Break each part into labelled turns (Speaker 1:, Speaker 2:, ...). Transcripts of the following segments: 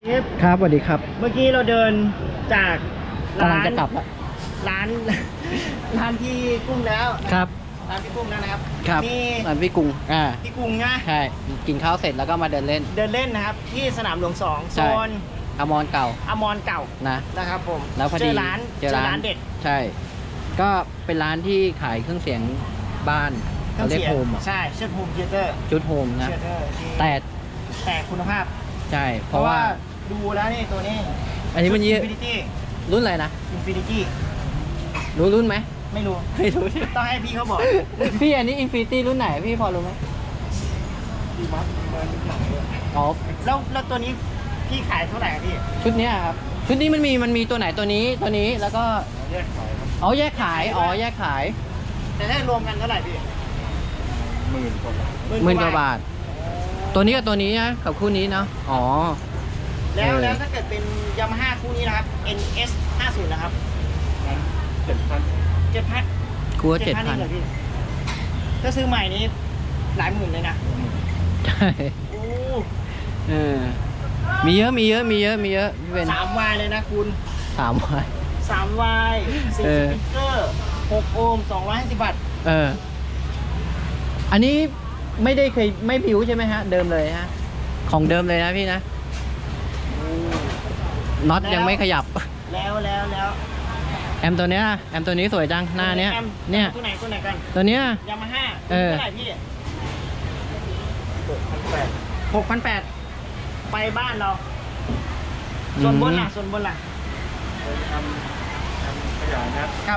Speaker 1: ครับสวัสดีครับ
Speaker 2: เมื่อกี้เราเดินจาก
Speaker 1: กำลังจะกลับละ
Speaker 2: ร้านร้านพี่กุ้งแล้ว
Speaker 1: ครับ
Speaker 2: ร้านพี่กุ้งแล้วนะครับ
Speaker 1: ครับ
Speaker 2: มี
Speaker 1: ร้านพี่กุ้ง
Speaker 2: พี่กุ้งนะ
Speaker 1: ใช่กินข้าวเสร็จแล้วก็มาเดินเล่น
Speaker 2: นะครับที่สนามหลวง2โซน
Speaker 1: อมรเก่า
Speaker 2: นะครับผม
Speaker 1: แล้วพอดี
Speaker 2: เจอร้านเด็ด
Speaker 1: ใช่ก็เป็นร้านที่ขายเครื่องเสียงบ้านเขาเรียกโฮม
Speaker 2: ใช่เชิดโฮมเทเตอร์
Speaker 1: ชุดโฮมนะ
Speaker 2: แต่คุณภาพ
Speaker 1: ใช่เพราะว่า
Speaker 2: ดูแล้วนี่ตัวนี้
Speaker 1: อันนี้มัน
Speaker 2: Infinity
Speaker 1: รุ่นอะไรนะ
Speaker 2: Infinity
Speaker 1: รู้รุ่นไหม
Speaker 2: ไม่รู้ต้องให้พี่เขาบอก
Speaker 1: พี่อันนี้ Infinity รุ่นไหนพี่พอรู้ไหมอ๋อ
Speaker 2: แล้วตัวนี้พี่ขายเท่าไหร่พี่
Speaker 1: ชุดนี้ครับชุดนี้มันมีตัวไหนตัวนี้แล้วก็
Speaker 2: แยกขายครับ
Speaker 1: แยกขาย
Speaker 2: แต่ถ้ารวมกันเท่าไหร่พี่10,000 กว่า
Speaker 1: บาทตัวนี้กับตัวนี้นะกับคู่นี้เนาะอ๋อ
Speaker 2: แล้วถ้าเกิดเป็น Yamaha คู่นี้นะครับ NS 50นะครับ7,000
Speaker 1: คู่ละ7,000
Speaker 2: ถ้าซื้อใหม่นี้หลายหมื่นเลยนะ
Speaker 1: ใช่
Speaker 2: โอ้
Speaker 1: มีเยอะพี่เป็น
Speaker 2: 3 วายเลยนะคุณ
Speaker 1: 3 วาย
Speaker 2: 4 สปีกเกอร์6 โอห์ม250 วัตต์
Speaker 1: อันนี้ไม่ผิวใช่ไหมฮะเดิมเลยฮะของเดิมเลยนะพี่นะน็อตยังไม่ขยับ
Speaker 2: แล้ว
Speaker 1: แอมตัวเนี้ยแอมตัวนี้สวยจังหน้าเนี้ย
Speaker 2: ตัวไหนกัน
Speaker 1: ตัวเนี้ย
Speaker 2: Yamaha เท่าไหร่พี่6,800ไปบ้านเราส่วนบนล่ะทำขยายนะครับ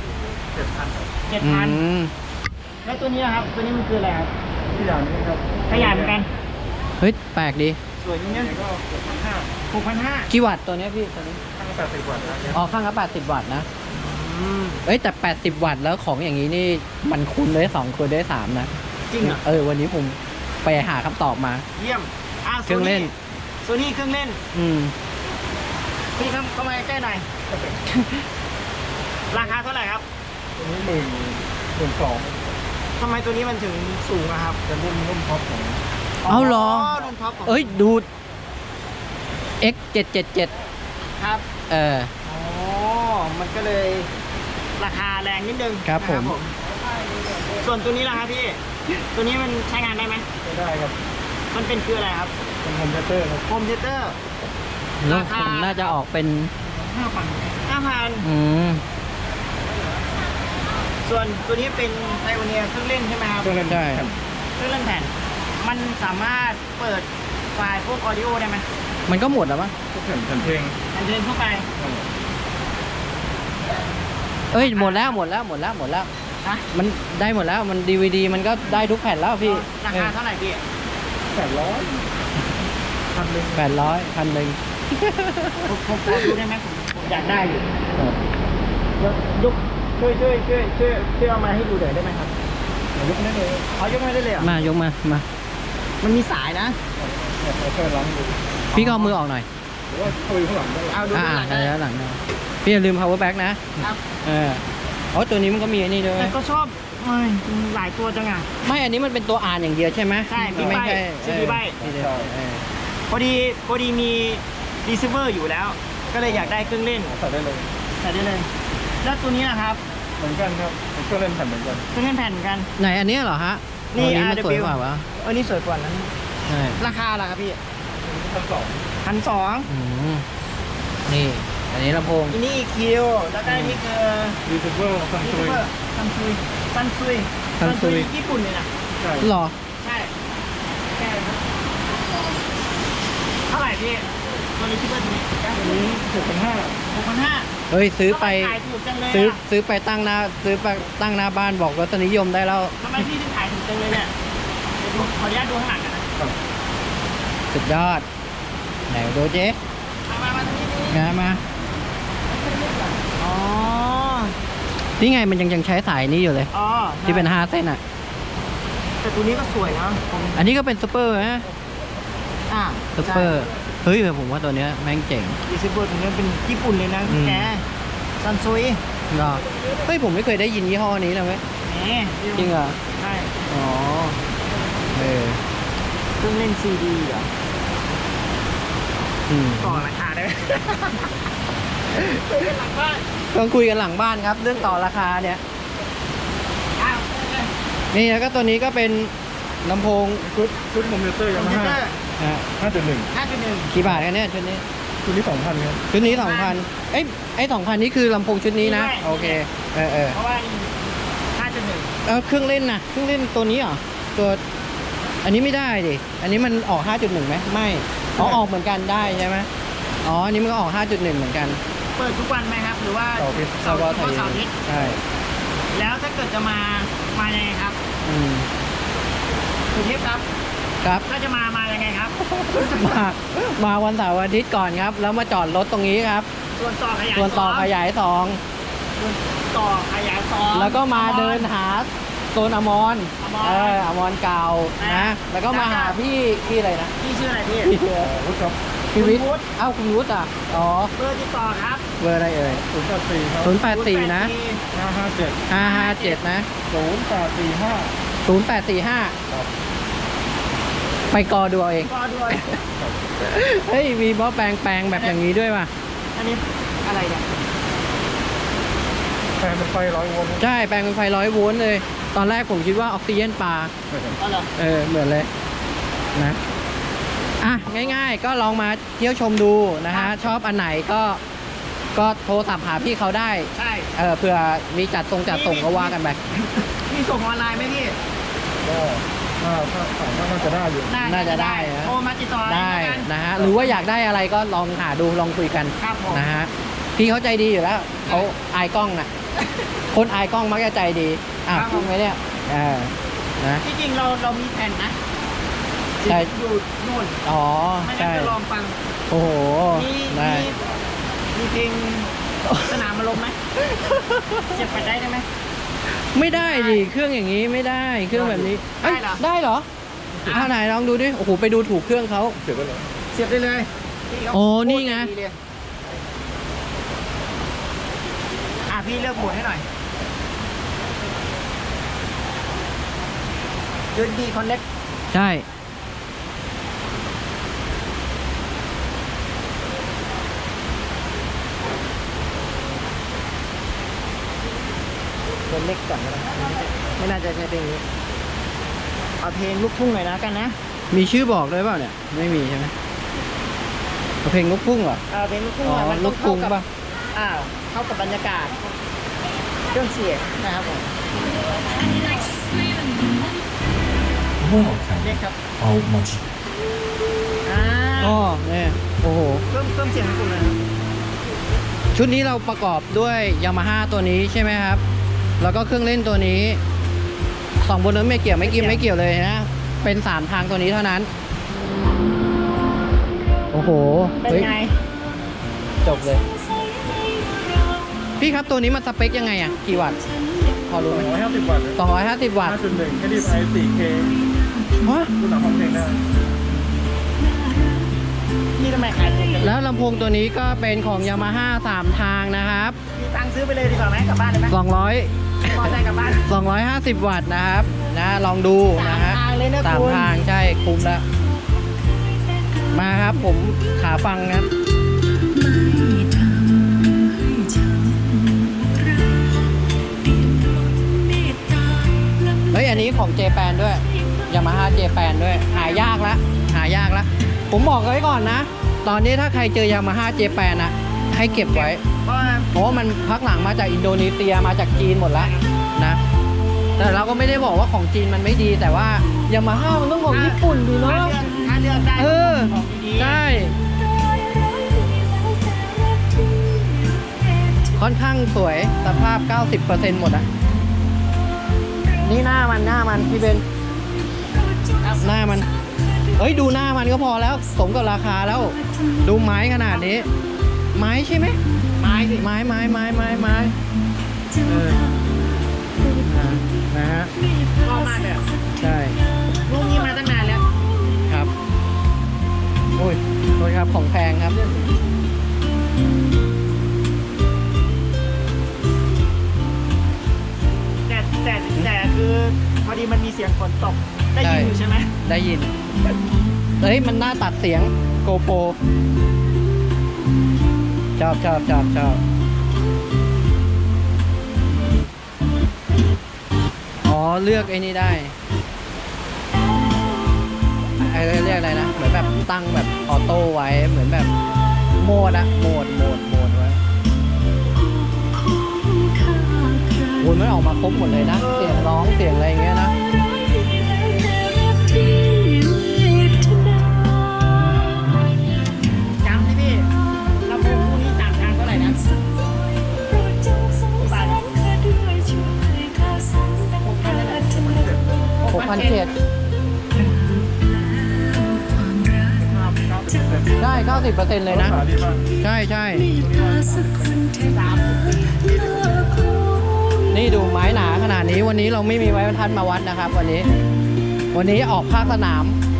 Speaker 2: 7,000แล้วตัวนี้ครับตัวนี้มันคืออะไรครับขยายนี่ครับขยายเหมือนกัน
Speaker 1: เฮ้ยแปลกดี
Speaker 2: สวยจริงเนี่ยก็6,500
Speaker 1: กี่วัตต์ตัวนี้พี่ตัวนี้
Speaker 2: ข้างละ80 วัตต์นะ
Speaker 1: อ๋อข้างละ80 วัตต์นะแต่80 วัตต์แล้วของอย่างนี้นี่มันคูณได้2คูณได้3นะ
Speaker 2: จริงอ่ะ
Speaker 1: วันนี้ผมไปหาคำตอบมา
Speaker 2: เยี่ยม
Speaker 1: เครื่องเล่น
Speaker 2: โซนี่เครื่องเล่นพี่เข้ามาใกล้หน่อยราคาเท่าไหร่ครับตัวนี้12,000ทำไมตัวนี้มันถึงสูงอะครับเป็นรุ่นท็อปของ
Speaker 1: เอาหรอ
Speaker 2: รุ่นท็อปของ
Speaker 1: ดู X777
Speaker 2: ครับมันก็เลยราคาแรงนิดนึง
Speaker 1: ครับผม
Speaker 2: ส่วนตัวนี้ล่ะครับพี่ตัวนี้มันใช้งานได้ไหมได้ครับมันเป็นคืออะไรครับเป็นโฮมเทเตอร์ครับโฮมเทเตอร์
Speaker 1: ราคาน่าจะออกเป็น
Speaker 2: 5,000ส่วนตัวนี้เป็นไทโอเนียเครื่องเล่นใช่ไหมครับ
Speaker 1: เครื่องเล่นได้
Speaker 2: เครื่องเล่นแผ่นมันสามารถเปิดไฟล์พวกออดิโอได้ไหม
Speaker 1: มันก็หมดแล้วมั้ง
Speaker 2: แผ่นเพลงทั่วไป
Speaker 1: หมดแล้วฮะมันได้หมดแล้วมัน DVD มันก็ได้ทุกแผ่นแล้วพี่
Speaker 2: ราคาเท่าไหร่พี่
Speaker 1: 800
Speaker 2: ผมขอดูได้ไหมผมอยากได้อยู่ยกช่วยเอามาให้ดูหน่อยได้ไหมครับยกไม่ได้เลยยกไม่ได้เลยอ่ะ
Speaker 1: ยกมา
Speaker 2: มันมีสายนะ
Speaker 1: พี่ก็เอามือออกหน่อย
Speaker 2: หรือว่าคุยข้างหลังได้
Speaker 1: เอาดูข้างหลังพี่อย่าลืม power back นะครับตัวนี้มันก็มีอันนี้ด้วย
Speaker 2: แต่ก็ชอบหลายตัวจังอ่ะ
Speaker 1: ไม่อันนี้มันเป็นตัวอ่านอย่างเดียวใช่ไหม
Speaker 2: ใช่ไม่ใช่ซีใบพอดีมีรีเซิร์ฟเวอร์อยู่แล้วก็เลยอยากได้เครื่องเล่นใส่ได้เลยแล้วตัวนี้นะครับเหมือนกันครับเครื่องเล่นแผ่นเหมือนกันเครื่องเล่นแผ่นเหมือนกัน
Speaker 1: ไหนอันนี้เหรอฮะ
Speaker 2: นี่
Speaker 1: มันสวยกว่าวะ
Speaker 2: นี่สวยกว่านั้นราคาล่ะครับพี่1,200
Speaker 1: นี่อันนี้ลำโพง
Speaker 2: นี่EQแล้วก็นี่คือรีเซิร์ฟเวอร์ซันซุยญี่ปุ่นเลยนะ
Speaker 1: หรอ
Speaker 2: ใช่เท่าไหร่พี่ตัวนี้คิดว่าตัวนี้6,500
Speaker 1: เฮ้ยซื้อไปตั้งหน้าบ้านบอกรสนิยมได้แล้ว
Speaker 2: ทำไมพี่ถึงขายถูกจังเลยเนี่ยขออนุญาตดูข้างหลังกันนะ
Speaker 1: สุดยอดไหนดูเจ๊
Speaker 2: มาตรงนี้
Speaker 1: มานี่ไงมันยังใช้สายนี้อยู่เลยที่เป็น5 เส้นอ่ะ
Speaker 2: แต่ตัวนี้ก็สวยนะ
Speaker 1: อันนี้ก็เป็นซูเปอร์นะซูเปอร์เฮ้ยผมว่าตัวเนี้ยแม่งเจ๋ง
Speaker 2: รีเซิร์ฟเวอร์ตัวนี้เป็นญี่ปุ่นเลยนะแกซันซุย
Speaker 1: เหรอเฮ้ยผมไม่เคยได้ยินยี่ห้อนี้เลยเว้ยจริงเหรอ
Speaker 2: ใช่
Speaker 1: เครื่อง
Speaker 2: เล่นซีดีเหรอ
Speaker 1: อืม
Speaker 2: ต่อราคาได้ไหมคุยกันหลังบ้าน
Speaker 1: ต้องคุยกันหลังบ้านครับ เรื่องต่อราคาเนี่ย
Speaker 2: อ้าว
Speaker 1: นี่แล้วก็ตัวนี้ก็เป็นลำโพง
Speaker 3: ชุดคอมพิวเตอร์
Speaker 2: ค
Speaker 3: ยา
Speaker 2: อม
Speaker 3: มา
Speaker 2: พิวเตอ
Speaker 3: ฮ่า
Speaker 2: ร์
Speaker 1: อ่ะ
Speaker 3: 5.1
Speaker 2: 5.1
Speaker 1: กี่บาทกันเนี่ยชุดนี้
Speaker 3: ชุดนี้ 2,000ครับ
Speaker 1: ชุดนี้2,000ไอ้2,000นี่คือลำโพงชุดนี้นะ โอเคเออ
Speaker 2: เพราะว่า5.1
Speaker 1: เครื่องเล่นนะเครื่องเล่นตัวนี้เหรอตัวอันนี้ไม่ได้ดิอันนี้มันออก 5.1ไหมไม่ออกเหมือนกันได้ใช่ไหมอ๋ออันนี้มันก็ออก 5.1เหมือนกัน
Speaker 2: เปิดทุกวันไหมครับ หรือว่า
Speaker 3: เสาร์อาทิตย์
Speaker 2: เสาร์อาทิตย์
Speaker 1: ใช่
Speaker 2: แล้วถ้าเกิดจะมายังไงครับ
Speaker 1: อืม
Speaker 2: คุณเทพครับ
Speaker 1: ครับ
Speaker 2: ถ้าจะมายังไงครับ
Speaker 1: มาวันเสาร์อาทิตย์ก่อนครับ แล้วมาจอดรถตรงนี้ครับ
Speaker 2: ส่วนต่อขยาย
Speaker 1: ส่วนต่อขยายสอง
Speaker 2: ส่วนต่อขยาย2
Speaker 1: แล้วก็มาเดินหาโซนอมร
Speaker 2: อมร
Speaker 1: อมรเก่านะแล้วก็มาหาพี่อะไรนะ
Speaker 2: พี่ชื่ออะไรพี่
Speaker 1: พี่
Speaker 3: วุฒิครับ
Speaker 1: พี่วิทย์
Speaker 2: คุณวุฒิ
Speaker 1: เอ้าคุณวุฒิอ่ะอ๋อ
Speaker 2: เบอร์ติดต่อครับ
Speaker 1: เบอร์อะไรเอ่ย
Speaker 3: 084ครับ
Speaker 1: 084นะ
Speaker 3: 557
Speaker 1: 557นะ
Speaker 3: 0845
Speaker 1: 0845
Speaker 3: ครับ
Speaker 1: ไปกอดูเอาเอง
Speaker 2: ก็ด้วย
Speaker 1: เฮ้ย มีบอแปลงแบบอย่างนี้ด้วยป่ะ
Speaker 2: อันนี้อะไรเนี่ย
Speaker 3: แฟนเป็นไฟ100 โวลต์
Speaker 1: ใช่ แปลงเป็นไฟ100 โวลต์เลย ตอนแรกผมคิดว่าออกซิเจนปลา
Speaker 2: ก็เหรอ
Speaker 1: เหมือนเลยนะ อ่ะ ง่ายๆ ก็ลองมาเที่ยวชมดูนะฮะ ชอบอันไหนก็โทรศัพท์หาพี่เขาได้
Speaker 2: ใช่
Speaker 1: เผื่อมีจัดส่งก็ว่ากันไป
Speaker 2: มีส่งออนไลน์ไหมพี่
Speaker 3: ก็ถ้าถามว่าน่าจะได้อยู่
Speaker 1: น่าจะได้นะ
Speaker 2: โทรมาติดต่อ
Speaker 1: ได้
Speaker 2: แล้วกัน
Speaker 1: นะฮะ หรือว่าอยากได้อะไรก็ลองหาดูลองคุยกัน
Speaker 2: ครับผม
Speaker 1: นะฮะ พี่เขาใจดีอยู่แล้วเขาอายกล้องน่ะ คนอายกล้องมักจะใจดีจริงไหมเนี่ยนะ
Speaker 2: ที่จริงเรามีแผ่นนะ
Speaker 1: ใช่
Speaker 2: อยู่นู่น
Speaker 1: อ๋อ
Speaker 2: ไม่งั้
Speaker 1: ใช่
Speaker 2: นจะลองฟัง
Speaker 1: โอ้โห
Speaker 2: มี
Speaker 1: ได้
Speaker 2: มีเพลงสนามอารมณ์ไหมเสียบไปได้ไหม
Speaker 1: ไม่ได้ดิเครื่องอย่างนี้ไม่ได้เครื่องแบบนี้เอ้ย
Speaker 2: ได้เหรอ
Speaker 1: ได้เหรอไหนลองดูดิโอ้โหไปดูถูกเครื่องเขา
Speaker 3: เสียบไว้เลย
Speaker 2: เสียบได้เลยพี่เขา
Speaker 1: โอ้นี่ไง
Speaker 2: โคตรดีเลยพี่เลือกโหมดให้หน่อย USB Connect
Speaker 1: ใช่
Speaker 2: ตัวเล็กก่อนก็ได้ไม่น่าจะใช้เพลงนี้เอาเพลงลูกทุ่งหน่อยนะกันนะ
Speaker 1: มีชื่อบอกด้วยเปล่าเนี่ยไม่มีใช่ไหมเอาเพลงลูกทุ่งเหรอ
Speaker 2: เอาเพลงลูกทุ่ง
Speaker 1: อ๋อ
Speaker 2: หน่อยมัน
Speaker 1: ลู
Speaker 2: ต้อก ง
Speaker 1: ทุ่
Speaker 2: เข้าง กับ
Speaker 1: ป่ะ
Speaker 2: เข้ากับบรรยากาศเครื่องเสียงนะครับผม
Speaker 4: 不会好看
Speaker 2: เล็กครับ
Speaker 4: how much
Speaker 1: อ๋อเนี่ยโอ้โห
Speaker 2: เครื่องเสียงของคุณเลยครับ
Speaker 1: ชุดนี้เราประกอบด้วยยามาฮ่าตัวนี้ใช่ไหมครับ แล้วก็เครื่องเล่นตัวนี้สองบนนั้นไม่เกี่ยวเลยนะ เป็น3ทางตัวนี้เท่านั้น โอ้โห
Speaker 2: เป็น
Speaker 1: เฮ้ย
Speaker 2: ไง
Speaker 1: จบเลย พี่ครับตัวนี้มันสเปคยังไงอ่ะ กี่วัตต์ พอรู้ไหม
Speaker 3: 250 วัตต์
Speaker 1: 250 วัตต์
Speaker 3: 5.1 HDMI 4K
Speaker 1: ฮะ
Speaker 3: ดูหนังฟังเพลงได้
Speaker 2: นี่ทำไมขายถูกจัง
Speaker 1: แล้วลำโพงตัวนี้ก็เป็นของยามาฮ่า3ทางนะครับ
Speaker 2: มีตังค์ซื้อไปเลยดีกว่าไหมกลับบ้านเลยไหม
Speaker 1: 200
Speaker 2: มอเตอร์ไซค์กลับบ้าน
Speaker 1: 250 วัตต์นะครับนะลองดูนะฮะ
Speaker 2: 3 ทางเลยนะ
Speaker 1: สาม
Speaker 2: คุณ
Speaker 1: ทางใช่คุ้มแล้ว มาครับผมขาฟังครับเฮ้ยอันนี้ของเจแปนด้วยยามาฮ่าเจแปนด้วยหายากละผมบอกไว้ก่อนนะ ตอนนี้ถ้าใครเจอยามาฮ่าเจแปนอะให้เก็บไว้
Speaker 2: เพราะว่า
Speaker 1: เพราะว่ามันพักหลังมาจากอินโดนีเซียมาจากจีนหมดแล้วนะ แต่เราก็ไม่ได้บอกว่าของจีนมันไม่ดี แต่ว่ายามาฮ่ามันต้องของญี่ปุ่นดีเนาะ
Speaker 2: ถ้าเลือกได้
Speaker 1: เออ
Speaker 2: ของดีๆ
Speaker 1: ใช่ ค่อนข้างสวยสภาพ 90% หมดอะนี่หน้ามันพี่เบนหน้ามันเอ้ยดูหน้ามันก็พอแล้วสมกับราคาแล้ว ดูไม้ขนาดนี้ ไม้ใช่ไหม
Speaker 2: ไม้สิ
Speaker 1: ไม้เออนะฮะ
Speaker 2: ชอบมากเลยอะ
Speaker 1: ใช่
Speaker 2: ลูกนี้มาตั้งนานแล้ว
Speaker 1: ครับโอ้ยโทษครับของแพงครับ
Speaker 2: แต่คือพอดีมันมีเสียงฝนตกได้ยินอยู่ใช่ไหม
Speaker 1: ได้ยินเฮ้ยมันน่าตัดเสียงโกโปรชอบอ๋อเลือกไอ้นี่ได้ไอ้เรียกอะไรนะเหมือนแบบตั้งแบบออโต้ไว้เหมือนแบบโหมดไว้โอ้ยมันออกมาครบหมดเลยนะเสียงร้องเสียงอะไรอย่างเงี้ยนะ
Speaker 2: จำสิพี่ลำโพงคู่นี้ต่างทางเท่าไหร่นะ
Speaker 1: 6,700ได้ 90% เลยนะ
Speaker 3: ภาษาดีมาก
Speaker 1: ใช่นี่ดูไม้หนาขนาดนี้วันนี้เราไม่มีไม้บรรทัดมาวัดนะครับ วันนี้ออกภาคสนาม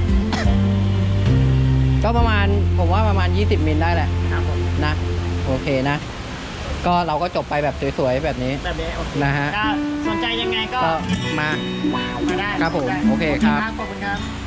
Speaker 1: ก็ประมาณผมว่าประมาณ20 มิลได้แหละ
Speaker 2: ครับผม
Speaker 1: นะโอเคนะ ก็เราก็จบไปแบบสวยๆแบบนี้
Speaker 2: แบบนี้โอเค
Speaker 1: นะฮะ
Speaker 2: ก็สนใจยังไงก็
Speaker 1: ก็มา
Speaker 2: มาได้
Speaker 1: ครับผมโอเคครับ
Speaker 2: ขอบคุณครับ